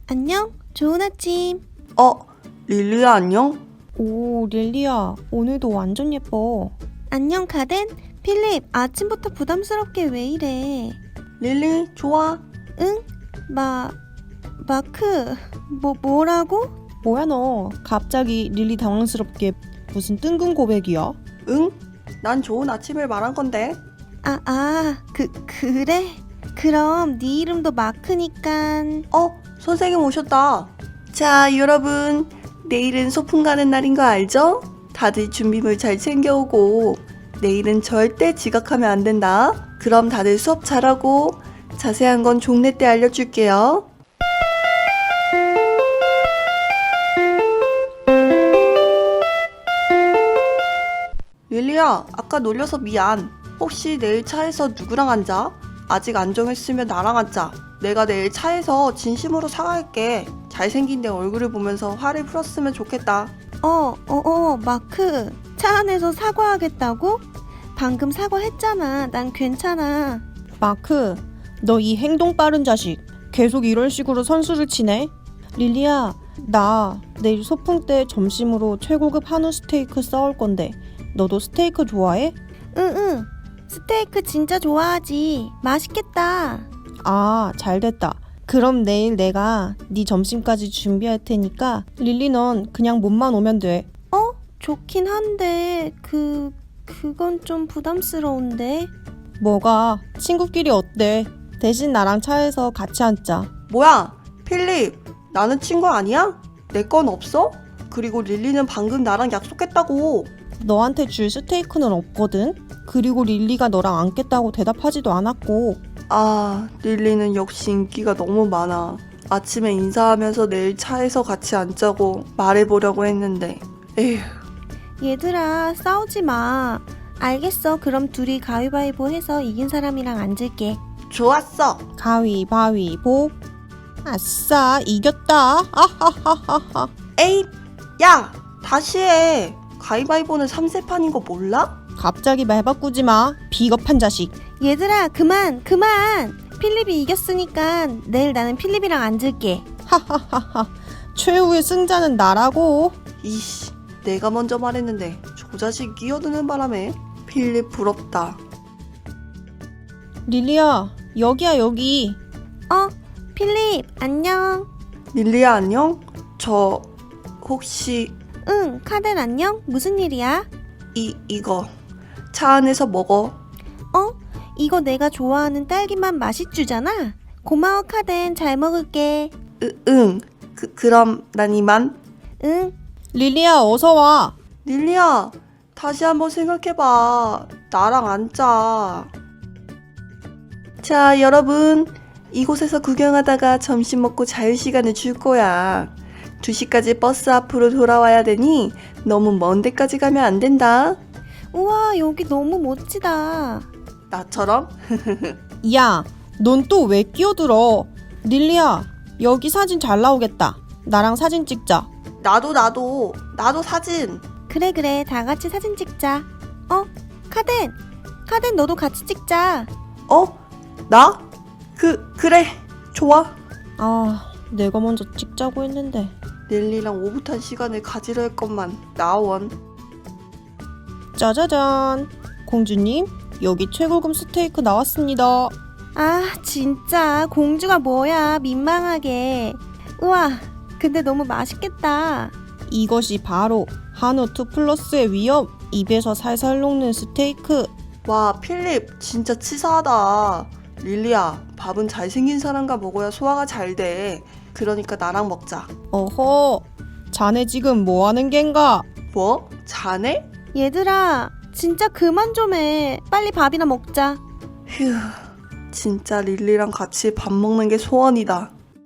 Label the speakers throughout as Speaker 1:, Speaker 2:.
Speaker 1: 안녕? 좋은 아침.
Speaker 2: 릴리야 안녕?
Speaker 1: 오, 릴리야. 오늘도 완전 예뻐. 안녕, 카덴? 필립, 아침부터 부담스럽게 왜 이래?
Speaker 2: 릴리 좋아.
Speaker 1: 응? 마크. 뭐라고?
Speaker 3: 뭐야 너 갑자기 릴리 당황스럽게 무슨 뜬금 고백이야?
Speaker 2: 응? 난 좋은 아침을 말한 건데.
Speaker 1: 그래? 그럼 네 이름도 마크니깐.
Speaker 2: 선생님 오셨다. 자 여러분, 내일은 소풍 가는 날인 거 알죠? 다들 준비물 잘 챙겨오고 내일은 절대 지각하면 안 된다. 그럼 다들 수업 잘하고 자세한 건 종례 때 알려줄게요. 릴리야, 아까 놀려서 미안. 혹시 내일 차에서 누구랑 앉아? 아직 안 정했으면 나랑 앉자. 내가 내일 차에서 진심으로 사과할게. 잘생긴 내 얼굴을 보면서 화를 풀었으면 좋겠다.
Speaker 1: 마크. 차 안에서 사과하겠다고? 방금 사과했잖아. 난 괜찮아.
Speaker 3: 마크, 너 이 행동 빠른 자식 계속 이런 식으로 선수를 치네? 릴리야, 나 내일 소풍 때 점심으로 최고급 한우 스테이크 싸올 건데 너도 스테이크 좋아해?
Speaker 1: 응. 스테이크 진짜 좋아하지. 맛있겠다.
Speaker 3: 아, 잘됐다. 그럼 내일 내가 네 점심까지 준비할 테니까 릴리 넌 그냥 몸만 오면 돼.
Speaker 1: 좋긴 한데 그건 좀 부담스러운데.
Speaker 3: 뭐가? 친구끼리 어때? 대신 나랑 차에서 같이 앉자.
Speaker 2: 뭐야, 필립. 나는 친구 아니야? 내 건 없어? 그리고 릴리는 방금 나랑 약속했다고.
Speaker 3: 너한테 줄 스테이크는 없거든? 그리고 릴리가 너랑 앉겠다고 대답하지도 않았고.
Speaker 2: 릴리는 역시 인기가 너무 많아. 아침에 인사하면서 내일 차에서 같이 앉자고 말해보려고 했는데. 에휴.
Speaker 1: 얘들아, 싸우지 마. 알겠어. 그럼 둘이 가위바위보 해서 이긴 사람이랑 앉을게.
Speaker 2: 좋았어.
Speaker 3: 가위바위보. 아싸, 이겼다. 아하하하하.
Speaker 2: 에잇! 야! 다시 해. 가위바위보는 3세판인 거 몰라?
Speaker 3: 갑자기 말 바꾸지 마. 비겁한 자식.
Speaker 1: 얘들아, 그만. 필립이 이겼으니까 내일 나는 필립이랑 앉을게.
Speaker 3: 하하하하. 최후의 승자는 나라고.
Speaker 2: 이씨, 내가 먼저 말했는데 저 자식 끼어드는 바람에. 필립 부럽다.
Speaker 3: 릴리야, 여기야 여기.
Speaker 1: 필립, 안녕.
Speaker 2: 릴리야 안녕? 저 혹시
Speaker 1: 응, 카덴 안녕? 무슨 일이야?
Speaker 2: 이거 차 안에서 먹어.
Speaker 1: 이거 내가 좋아하는 딸기맛 맛있주잖아. 고마워, 카덴. 잘 먹을게.
Speaker 2: 응. 그럼 난 이만.
Speaker 1: 응.
Speaker 3: 릴리야, 어서 와.
Speaker 2: 릴리야, 다시 한번 생각해봐. 나랑 앉자. 자, 여러분. 이곳에서 구경하다가 점심 먹고 자유시간을 줄 거야. 2시까지 버스 앞으로 돌아와야 되니 너무 먼 데까지 가면 안 된다.
Speaker 1: 우와, 여기 너무 멋지다.
Speaker 2: 나처럼?
Speaker 3: 야, 넌 또 왜 끼어들어? 릴리야, 여기 사진 잘 나오겠다. 나랑 사진 찍자.
Speaker 2: 나도 사진.
Speaker 1: 그래. 다 같이 사진 찍자. 카덴 너도 같이 찍자.
Speaker 2: 나? 그래. 좋아.
Speaker 3: 내가 먼저 찍자고 했는데.
Speaker 2: 릴리랑 오붓한 시간을 가지려 했건만 나원.
Speaker 3: 짜자잔. 공주님, 여기 최고급 스테이크 나왔습니다.
Speaker 1: 진짜 공주가 뭐야. 민망하게. 우와, 근데 너무 맛있겠다.
Speaker 3: 이것이 바로 한우 2플러스의 위엄. 입에서 살살 녹는 스테이크.
Speaker 2: 와, 필립 진짜 치사하다. 릴리야, 밥은 잘생긴 사람과 먹어야 소화가 잘 돼. 그러니까 나랑 먹자.
Speaker 3: 어허, 자네 지금 뭐 하는 겐가?
Speaker 2: 뭐? 자네?
Speaker 1: 얘들아, 진짜 그만 좀 해. 빨리 밥이나 먹자.
Speaker 2: 휴, 진짜 릴리랑 같이 밥 먹는 게 소원이다.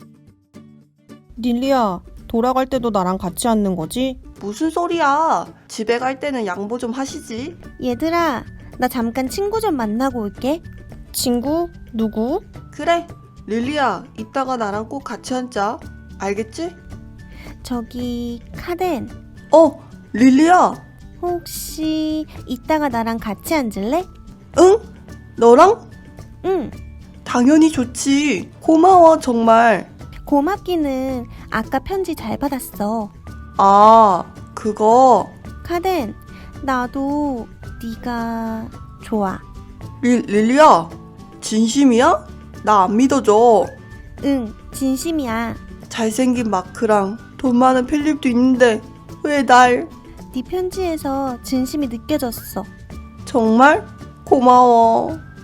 Speaker 3: 릴리야, 돌아갈 때도 나랑 같이 앉는 거지?
Speaker 2: 무슨 소리야. 집에 갈 때는 양보 좀 하시지.
Speaker 1: 얘들아, 나 잠깐 친구 좀 만나고 올게.
Speaker 3: 친구? 누구?
Speaker 2: 그래, 릴리야, 이따가 나랑 꼭 같이 앉자. 알겠지?
Speaker 1: 저기, 카덴.
Speaker 2: 릴리야.
Speaker 1: 혹시 이따가 나랑 같이 앉을래?
Speaker 2: 응? 너랑?
Speaker 1: 응.
Speaker 2: 당연히 좋지. 고마워, 정말.
Speaker 1: 고맙기는 아까 편지 잘 받았어.
Speaker 2: 아, 그거.
Speaker 1: 카덴, 나도 네가 좋아.
Speaker 2: 릴리야, 진심이야? 나 안 믿어줘.
Speaker 1: 응, 진심이야.
Speaker 2: 잘생긴 마크랑 돈 많은 필립도 있는데 왜 날?
Speaker 1: 네 편지에서 진심이 느껴졌어.
Speaker 2: 정말? 고마워.